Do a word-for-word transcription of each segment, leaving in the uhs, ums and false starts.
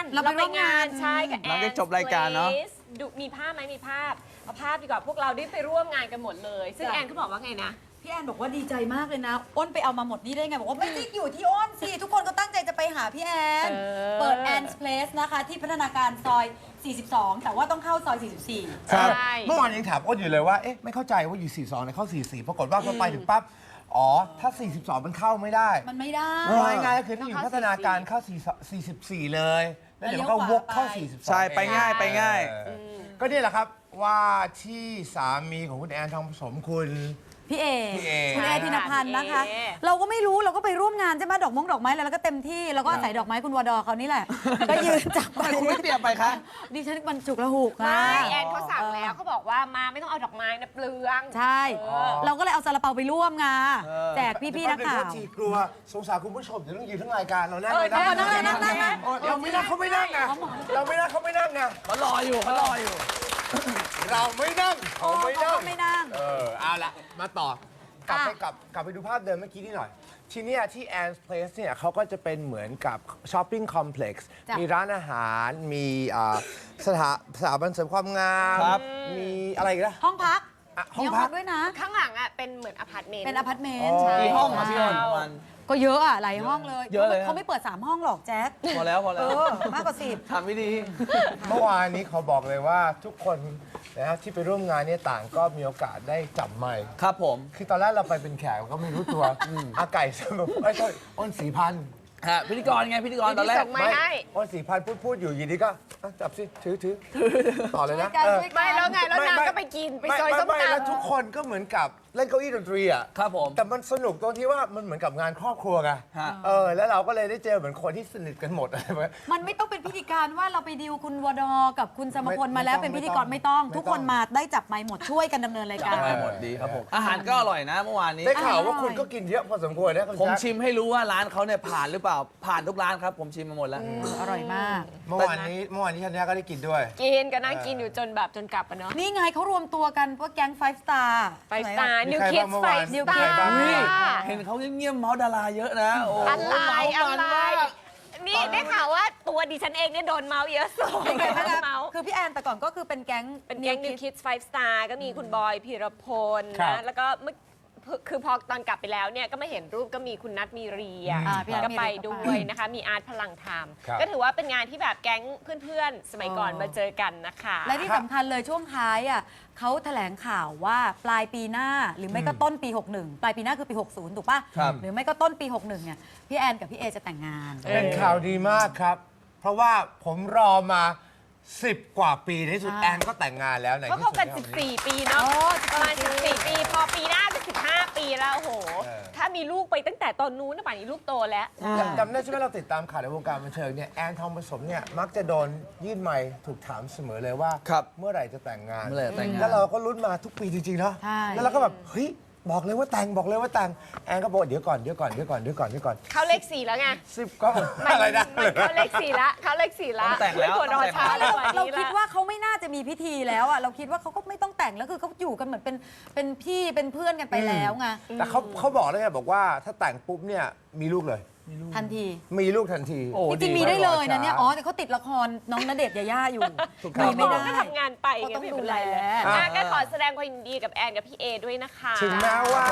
เราไปร่วมงานใช่กับแอนหลังจากจบรายการเนาะดูมีภาพไหมมีภาพเอาภาพดีกว่าพวกเราได้ไปร่วมงานกันหมดเลยซึ่งแอนเขาบอกว่าไงนะพี่แอนบอกว่าดีใจมากเลยนะอ้นไปเอามาหมดนี่ได้ไงบอกว่าไม่ได้อยู่ที่อ้นสิทุกคนก็ตั้งใจจะไปหาพี่แอนเปิดแอนส์เพลสนะคะที่พัฒนาการซอยสี่สิบสองแต่ว่าต้องเข้าซอยสี่สิบสี่ครับเมื่อวานยังถามอ้นอยู่เลยว่าเอ๊ะไม่เข้าใจว่าอยู่สี่สิบสองเนี่ยเข้าสี่สิบสี่ปรากฏว่าพอไปถึงปั๊บอ๋อถ้าสี่สิบสองมันเข้าไม่ได้มันไม่ได้ง่ายๆก็คือต้องอยู่พัฒนาการเข้าสี่สิบสี่เลยแล้วเดี๋ยวก็วกเข้าสี่สิบสองใช่ไปง่ายไปง่ายก็นี่แหละครับว่าที่สามีของคุณแอนทองผสมคุณพี่เอพี่เอคุณเอธินพันธ์นะคะเราก็ไม่รู้เราก็ไปร่วมงานใช่ไหมดอกมงดอกไม้อะไรแล้วก็เต็มที่แล้วก็ใส่ดอกไม้คุณวดอเขานี่แหละก็ยืนจับไปคุณไม่เตรียมไปคะดิฉันมันฉุกละหุกไม่แอนเขาสั่งแล้วเขาบอกว่ามาไม่ต้องเอาดอกไม้นะเปลืองใช่เราก็เลยเอาซาลาเปาไปร่วมงานแจกพี่ๆนักข่าวกลัวสงสารคุณผู้ชมเดี๋ยวต้องยืนทั้งรายการเรานั่งเลยนะนั่งนั่งนั่งนั่งเราไม่นั่งเขาไม่นั่งไงเราไม่นั่งเขาไม่นั่งไงเขารออยู่เขารออยู่เราไม่นั่งเขาไม่นั่งไม่นั่งเออเอาละมาต่อกลับไปกลับกลับไปดูภาพเดิมเมื่อกี้นี่หน่อยที่นี่ที่ Anne's Place เนี่ยเขาก็จะเป็นเหมือนกับช้อปปิ้งคอมเพล็กซ์มีร้านอาหารมีสถาสถาบันเสริมความงามมีอะไรอีกล่ะห้องพักห้องพักด้วยนะข้างหลังอ่ะเป็นเหมือนอพาร์ตเมนต์เป็นอพาร์ตเมนต์กี่ห้องคะพี่อ้นประมาณก็เยอะอ่ะหลายห้องเลยเยอะเลยเขาไม่เปิดสามห้องหรอกแจ๊คพอแล้วพอแล้วมากกว่าสิบทำไม่ดีเมื่อวานนี้เขาบอกเลยว่าทุกคนนะครับที่ไปร่วมงานเนี่ยต่างก็มีโอกาสได้จับไมค์ครับผมคือตอนแรกเราไปเป็นแขกก็ไม่รู้ตัวอาไก่สนุกไอ้ใช่อ้นสีพันฮะพิธีกรไงพิธีกรตอนแรกไม่ให้อ้นสีพันพูดพูดอยู่ยีนี้ก็จับสิถือถือต่อเลยนะไม่แล้วไงแล้วนางก็ไปกินไปซอยส้มตำแล้วทุกคนก็เหมือนกับเล่นเก้าอี้ดนตรีอ่ะครับผมแต่มันสนุกตรงที่ว่ามันเหมือนกับงานครอบครัวไงเออแล้วเราก็เลยได้เจอเหมือนคนที่สนิทกันหมดอะไรแบบมันไม่ต้องเป็นพิธีการว่าเราไปดิวคุณวดอกับคุณสมพลมาแล้วเป็นพิธีกรไม่ต้องทุกคนมาได้จับไมค์หมดช่วยกันดำเนินรายการหมดดีครับผมอาหารก็อร่อยนะเมื่อวานนี้ได้ข่าวว่าคุณก็กินเยอะพอสมควรนะผมชิมให้รู้ว่าร้านเขาเนี่ยผ่านหรือเปล่าผ่านทุกร้านครับผมชิมมาหมดแล้วอร่อยมากเมื่อวานนี้เมื่อวานนี้ชันยาก็ได้กินด้วยกินก็นั่งกินอยู่จนแบบจนกลับอะเนาะนี่ไงเขารวมตัวกันพวกแก๊งไฟสตาร์ไฟสตาร์นิวคิดไฟนิวคิดเห็นเขาเงียบๆเมาส์ดาราเยอะนะอะไรอะไรนี่ได้ข่าวว่าตัวดิฉันเองเนี่ยโดนเมาส์เยอะสุดเมาส์คือพี่แอนแต่ก่อนก็คือเป็นแก๊งเป็นแก๊งนิวคิดไฟสตาร์ก็มีคุณบอยพีรพลนะแล้วก็เมื่อคือพอตอนกลับไปแล้วเนี่ยก็ไม่เห็นรูปก็มีคุณนัทมีเรียก็ไปด้วยนะคะมีอาร์ตพลังธรรมก็ถือว่าเป็นงานที่แบบแก๊งเพื่อนๆสมัยก่อนมาเจอกันนะคะและที่สำคัญเลยช่วงท้ายอ่ะเขาแถลงข่าวว่าปลายปีหน้าหรือไม่ก็ต้นปีหกสิบเอ็ดปลายปีหน้าคือปีหกสิบถูกป่ะหรือไม่ก็ต้นปีหกสิบเอ็ดเนี่ยพี่แอนกับพี่เอจะแต่งงานเป็นข่าวดีมากครับเพราะว่าผมรอมาสิบกว่าปีในสุดแอนก็แต่งงานแล้วก็คบกันสิบสี่ปีเนาะประมาณสิบสี่ปีพอปีหน้าจะสิบห้าปีแล้วโอ้โหถ้ามีลูกไปตั้งแต่ตอนนู้นป่านนี้ลูกโตแล้วจำได้ใช่ไหมเราติดตามข่าวในวงการบันเทิงเนี่ยแอนทองผสมเนี่ยมักจะโดนยื่นไมค์ถูกถามเสมอเลยว่าเมื่อไหร่จะแต่งงานแล้วเราก็ลุ้นมาทุกปีจริงๆเนาะแล้วเราก็แบบเฮ้ยบอกเลยว่าแต่งบอกเลยว่าแต่งแอนก็บอกเดี๋ยวก่อนเดี๋ยวก่อนเดี๋ยวก่อนเดี๋ยวก่อนเดี๋ยวก่อนเข้าเลขสี่แล้วไงสิบก็อะไรนะเข้าเลขสี่ละเข้าเลขสี่ละแต่งแล้วเราเราคิดว่าเขาไม่น่าจะมีพิธีแล้วอ่ะเราคิดว่าเขาก็ไม่ต้องแต่งแล้วคือเขาอยู่กันเหมือนเป็นเป็นพี่เป็นเพื่อนกันไปแล้วไงแต่เขาเขาบอกเลยไงบอกว่าถ้าแต่งปุ๊บเนี่ยมีลูกเลยทันทีมีลูกทันทีจริงๆมีได้เลยนะเนี่ยอ๋อแต่เขาติดละครน้องณเดชน์ยาย่าอยู่มีไม่ได้ก็ทำงานไปก็ต้องดูแลก็ขอแสดงความยินดีกับแอนกับพี่เอด้วยนะคะถึงแม้ว่า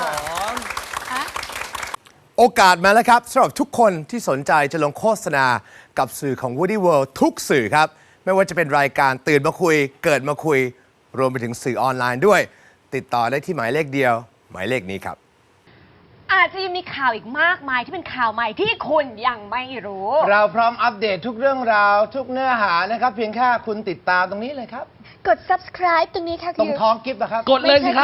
โอกาสมาแล้วครับสำหรับทุกคนที่สนใจจะลงโฆษณากับสื่อของ Woody World ทุกสื่อครับไม่ว่าจะเป็นรายการตื่นมาคุยเกิดมาคุยรวมไปถึงสื่อออนไลน์ด้วยติดต่อได้ที่หมายเลขเดียวหมายเลขนี้ครับอาจจะยังมีข่าวอีกมากมายที่เป็นข่าวใหม่ที่คุณยังไม่รู้เราพร้อมอัปเดตทุกเรื่องราวทุกเนื้อหานะครับเพียงแค่คุณติดตามตรงนี้เลยครับกด ซับสไครบ์ ตรงนี้ค่ะตรงท้องกิฟต์นะครับกดเลยสิครับ